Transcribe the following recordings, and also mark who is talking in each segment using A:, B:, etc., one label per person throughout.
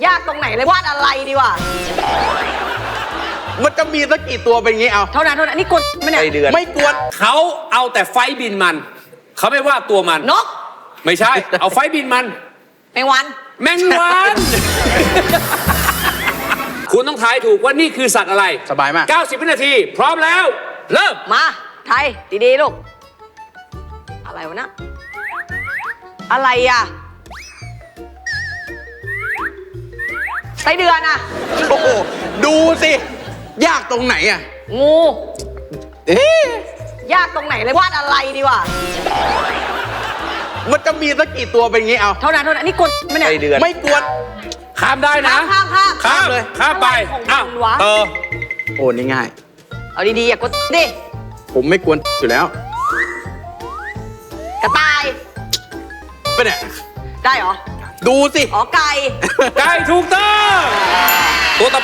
A: ยากตรงไหนเลยวาดอะไรดีวะ
B: มันจะมีสักกี่ตัวเป็นงี้เอา
A: เท่านั้นนี่กดไหมเนี่ย
B: ไม่กวน
C: เขาเอาแต่ไฟบินมันเขาไม่ว่าตัวมัน
A: นก
C: ไม่ใช่ เอาไฟบินมัน
A: แมงวัน
C: แมงวัน คุณต้องทายถูกว่านี่คือสัตว์อะไร
B: สบายมาก
C: 90 วินาที พร้อมแล้ว เริ่ม
A: มาไทยดีๆลูกอะไรวะนะอะไรอ่ะไส้เดือนอ่ะ
B: โอ้โหดูสิ ยากตรงไหนอ่ะ
A: งู
B: เอ๊ะ
A: ยากตรงไหนเลยวาดอะไรดีวะ
B: มันจะมีสักกี่ตัวเป็นงี้เอา
A: เท่านั้นนี่กดไหมเนี่ย
B: ไม่กวน
C: ข้ามได้นะ
A: ข้าม
C: ข้ามเลยข้ามไป
A: อะไรของ
C: อ้าว
A: มันวะ
B: โอ้นี่ง่าย
A: เอาดีๆอย่ากดดิ
B: ผมไม่กวนอยู่แล้ว
A: กระต่าย
B: ไปเนี่ย
A: ได้เหรอ
B: ดูสิ
A: อ๋อไก่
C: ไก่ถูกต้องตัวต่อไป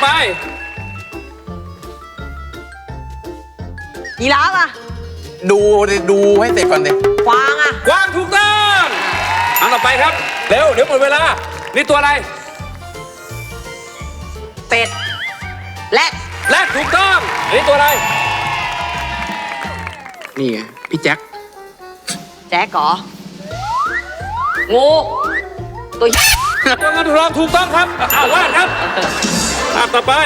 A: ยีราฟอ่ะ
B: ดูให้เสร็จก่อนดิ
A: กวางอ่ะ
C: กวางถูกต้องอันต่อไปครับ เร็วเดี๋ยวหมดเวลา นี่ตัวอะไร
A: เป็ดแรด
C: แรดถูกต้องอันนี้ตัวอะไร
B: นี่ไงพี่แจ็ค
A: แจ๊กเหรองูตัว
C: ตัวเงินตัวทองถูกต้องครับอ้าววาดครับภาพต่อไป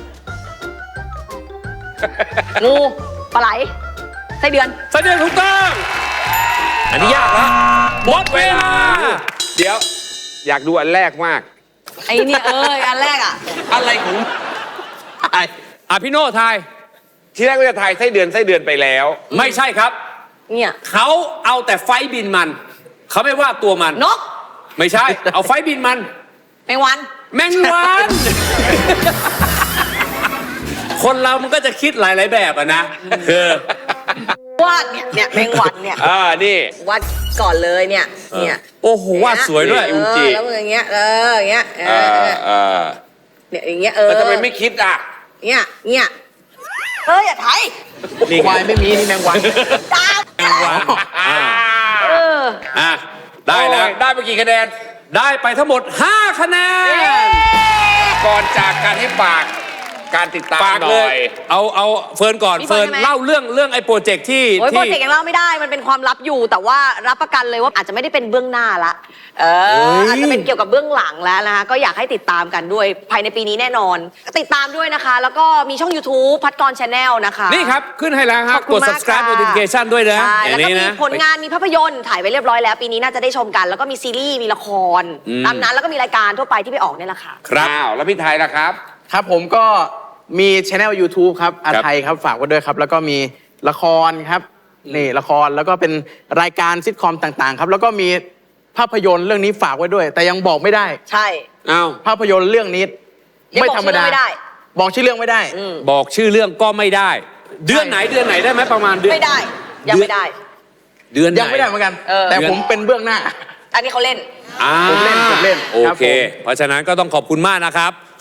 A: งูปลาไหลไส้เดือน
C: ไส้เดือนถูกต้อง อันนี้ยากนะหมดเวลา
D: เดี๋ยว อยากดูอันแรกมาก
A: ไอ้เนี่ยอันแรกอ่ะ
B: อะไรของไอ้
C: พี่โน่ทาย
D: ที่แรกก็จะทายไส้เดือนไปแล้ว
C: ไม่ใช่ครับ
A: เนี่ย
C: เขาเอาแต่ไฟบินมัน เขาไม่ว่าตัวมัน
A: นก
C: ไม่ใช่ เอาไฟบินมัน
A: แมงวัน
C: แมงวัน คนเรามันก็จะคิดหลาย ๆ แบบอะนะคือ
A: วาดเนี่ยแมงวันเนี่ย
D: นี่
A: วาดก่อนเลยเนี่ย
C: โอ้โหวาดสวยด้วย
D: อุจิ
A: แล้วมืออย่างเงี้ยอย่างเงี้ยเนี่ยอย่างเงี้ย
D: แล้วทำไมไม่คิดอ่ะ
A: เนี่ยอย่าไทย
B: ควายไม่มีนี่แมงวัน
A: ตาม
C: อ่ะได้แล้ว
D: ได้ไปกี่คะแนน
C: ได้ไปทั้งหมด 5 คะแนน
D: ก่อนจากการให้ฝากการติดตาม
C: ฝาก
D: ห
C: เล
D: น่อย ย
C: เอาเฟิร์นก่อน
A: มีเฟิ
C: เฟิ
A: ร์
C: ร์
A: น
C: น
A: ใช่ไหม
C: เล่าเรื่องไอ้โปรเจกต์ที่
A: โอ้ยโปรเจกต์ยังเล่าไม่ได้มันเป็นความลับอยู่แต่ว่ารับประกันเลยว่าอาจจะไม่ได้เป็นเบื้องหน้าละอาจจะเป็นเกี่ยวกับเบื้องหลังแล้วนะคะก็อยากให้ติดตามกันด้วยภายในปีนี้แน่นอนติดตามด้วยนะคะ แล้วก็มีช่อง YouTube พัดกร Channel นะคะ
C: นี่ครับ ขึ้นให้แล้วครับ
A: ขอบคุ
C: ก
A: ณ
C: ด
A: มาก
C: subscribe
A: ค่ะ
C: notification ด้วยนะ
A: ใช่
C: อ
A: แล้ว
C: ย่าง
A: ก็
C: นี้
A: มี
C: นะ
A: ผลงานมีภาพยนตร์ถ่ายไว้เรียบร้อยแล้วปีนี้น่าจะได้ชมกัน แล้วก็มีซีรีส์มีละครตามนั้นแล้วก็มีรายการทั่วไปที่ไปออกเนี่ยแหละค่ะ
C: ครับ
D: อ้าว แล้วพี่ไทยล่ะครับ
B: ครับผมก็มีช anel YouTube ครับอาไทยครับฝากไว้ด้วยครับ แล้วก็มีละครครับนี่ละครแล้วก็เป็นรายการซิทคอมต่างๆ ครับ แล้วก็มีภาพยนตร์เรื่องนี้ฝากไว้ด้วย แต่ยังบอกไม่ได้
A: ใช่
C: อ้าว
B: ภาพยนตร์เรื่องนี้
A: ยัง
B: ไม่
A: บอก
B: ธรรมดา
A: ชื่อไม่ได้
B: บอกชื่อเรื่องไม่ได้
C: บอกชื่อเรื่องก็ไม่ได้ เดือนไหนได้ไหมประมาณเดือน
A: ไม่ได้ยังไม่ได้
C: เดือนไหน
B: ยังไม่ได้เหมือนกัน แต่
C: เดือน
B: ผมเป็นเบื้องหน้า
A: อันนี้เขาเล่น
C: อ่า
B: ผมเล่น
C: โอ
B: ครับ
C: เค
B: ผม
C: เพราะฉะนั้นก็ต้องขอบคุณมากนะครับ